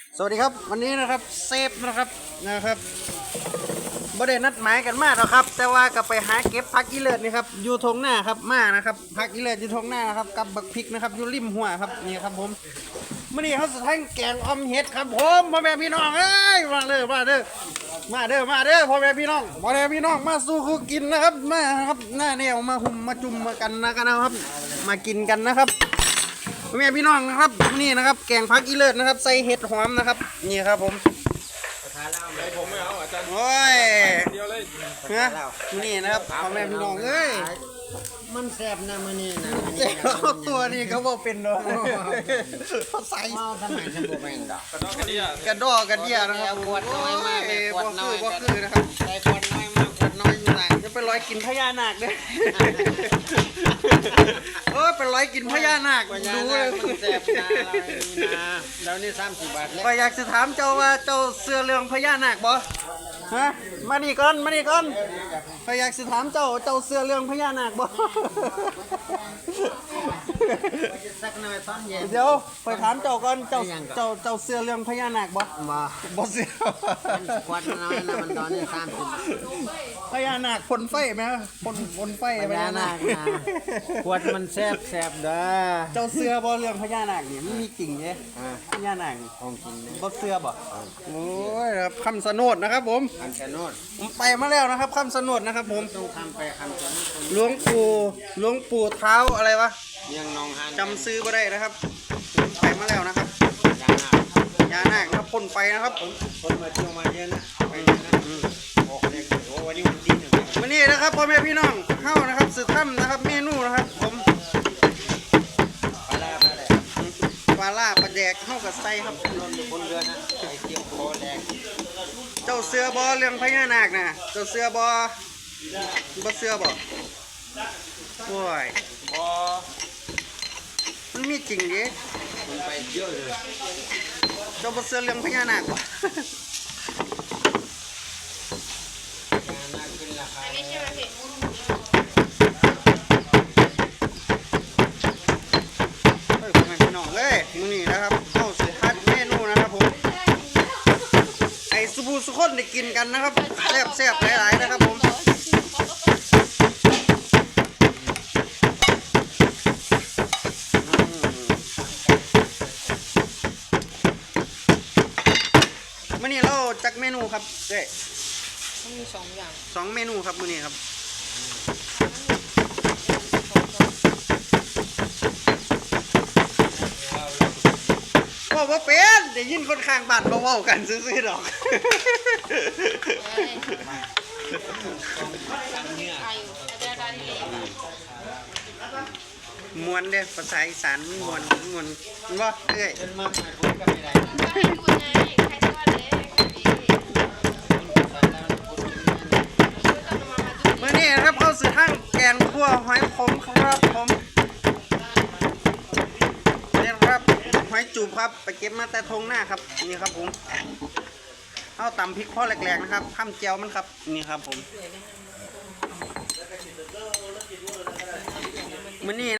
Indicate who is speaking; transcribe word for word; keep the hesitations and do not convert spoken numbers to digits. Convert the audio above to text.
Speaker 1: สวัสดีครับวันนี้นะครับเซฟนะครับนะครับบ่ได้นัดหมายกันมากหรอกครับแต่ว่าก็ไปหาเก็บผักอีเลิศนี่ครับอยู่ทงหน้าครับมานะครับผักอีเลิศอยู่ทงหน้านะครับกับบักพริกนะครับอยู่ริมหัวครับนี่ครับผมมื่อนี้เขาสะทั้งแกงออมเห็ดครับผมพ่อแม่พี่น้องเอ้ยมาเด้อมาเด้อมาเด้อมาเด้อพ่อแม่พี่น้องพ่อแม่พี่น้องมาสู้คู่กินนะครับมาครับหน้าแนวมาหุ่มมาจุ่มมากันนะกันนะครับมากินกันนะครับพ่อแม่พี่น้องนะครับนี่นะครับแกงผักอีเลิศนะครับใส่เห็ดหอมนะครับนี่ครับผม
Speaker 2: ผมไม่เอาอาจารย์
Speaker 1: โอ้ย
Speaker 2: เดียวเลย
Speaker 1: นะนี่นะครับพ่อแม่พี่น้องเอ้ย
Speaker 3: มันแซ่บนะมันนี่นะ
Speaker 1: เจ้าตัวนี้เขาบอกเป็นดอกเขาใส่
Speaker 3: เมาทำไมฉันบอกไม่ดอก
Speaker 2: กระดอกกระเดีย
Speaker 1: กระดอกกระเดียนะครับ
Speaker 3: ขวดน้อยมากเลยขวดน้อย
Speaker 1: บ่คือบ่คือนะครับ
Speaker 3: ใส่ขวดน้อยมากขวดน้อยอยู่ไหน
Speaker 1: จะไปร้อยกินพญานาคเด้อเออไปร้อยกินพญานาค
Speaker 3: ปัญญา
Speaker 1: ดู
Speaker 3: ห
Speaker 1: เล
Speaker 3: น้าย มันแซ่บนะเรานี่นะแล้วนี่สามสิบบาทเลย
Speaker 1: ก็อยากจะถามเจ้าว่าเจ้าเสื้อเรื่องพญานาคบ่ฮะมานี่ก่อนมานี่ก่อนก็อยากจะถามเจ้าเจ้าเสื้อเรื่องพญานาคบ่
Speaker 3: สักหน่อยตอนเย็น
Speaker 1: เดี๋ยวไปถามเจ้าก่อนเจ้าเจ้าเจ้าเสื้อเรื่องพญานาคบ่
Speaker 3: มา
Speaker 1: บ่เสื้อ
Speaker 3: ขวดน้อยนะมันตอนนี้สามสิบ
Speaker 1: พญานาคพ่นไฟไหมพ่นพ่นไฟ
Speaker 3: ปัญญาหน้านะขวดมันแซ่บแซ่บเด้อ
Speaker 1: เจ้าเสื้อบ่เรื่องพญานาคนี่มันมีจริงเด้พญานาคนี่
Speaker 3: ของกินเนี่ย
Speaker 1: บ่เสื้อบ่โอ้ยครับคำสนดนะครับผม
Speaker 3: อันชะโนด
Speaker 1: ผมไปมาแล้วนะครับคำสนดนะครับผม
Speaker 3: ต้องทำไปคำตัวนี้คน
Speaker 1: หลวงปู่หลวงปู่เท้าอะไรวะ
Speaker 3: ยังนองฮัน
Speaker 1: จำซื้อบ่ได้นะครับผมไปมาแล้วนะครับ
Speaker 3: ยาหน้า
Speaker 1: พญานาคนะครับพ่นไฟนะครับผม
Speaker 3: คนมาเที่ยวมาเยอะนะไปเยอะนะโอ้โหโอ้วันนี้วันที่หนึ่ง
Speaker 1: วันนี้นะครับพ่อแม่พี่น้องเข้านะครับสืบถ้ำนะครับเมนูนะครับผม
Speaker 3: ปลาปลาแดก
Speaker 1: ปลาล่าปลาแดกเข้ากับไส้ครับ
Speaker 3: รถอยู่บนเรือนะไอเที่ยวโคแดก
Speaker 1: เจ้าเสือบอเรื่องพญานาคนะเจ้าเสือบอบ่เสือบอโอ้ย
Speaker 3: พอ
Speaker 1: มันมีจริงดิ
Speaker 3: มันไปเยอะเลย
Speaker 1: เจ้าบ่เสือเรื่องพญานาคบ่
Speaker 3: ยาหน้าขึ้นราคาแล้ว
Speaker 1: เฮ้ยพ่อแม่พี่น้องเอ้ยมื้อนี้นะครับเข้าสิฮัดเมนูนะครับผมไอ้สุบูสุคนได้กินกันนะครับแซ่บแซ่บหลายๆนะครับผมมื้อนี้เราจักเมนูครับเด้
Speaker 4: มันมีสองอย่าง
Speaker 1: สองเมนูครับมื้อนี้ครับว่าว่าเป็นได้ยินคนข้างบ้านเว้าๆกันซื่อๆดอก
Speaker 4: ไก่อาจารย์ได้เลย
Speaker 1: มวนเด้ภาษาอีสานมันมวนมวนมันบ่เอ้ย
Speaker 3: จนมาหาคุยกันไม่ได้
Speaker 4: ก็ให้ดูไงใครทอดเล็กดีช่วยกันมามาดู
Speaker 1: มื้อนี้นะครับเข้าสู่ทางแกงคั่วหอยขมครับผมนี่ครับหอยจูบครับไปเก็บมาแต่ทงหน้าครับนี่ครับผมเอาตำพริกพ่อแหลกๆนะครับข้ามเจียวมันครับนี่ครับผมมื้อนี้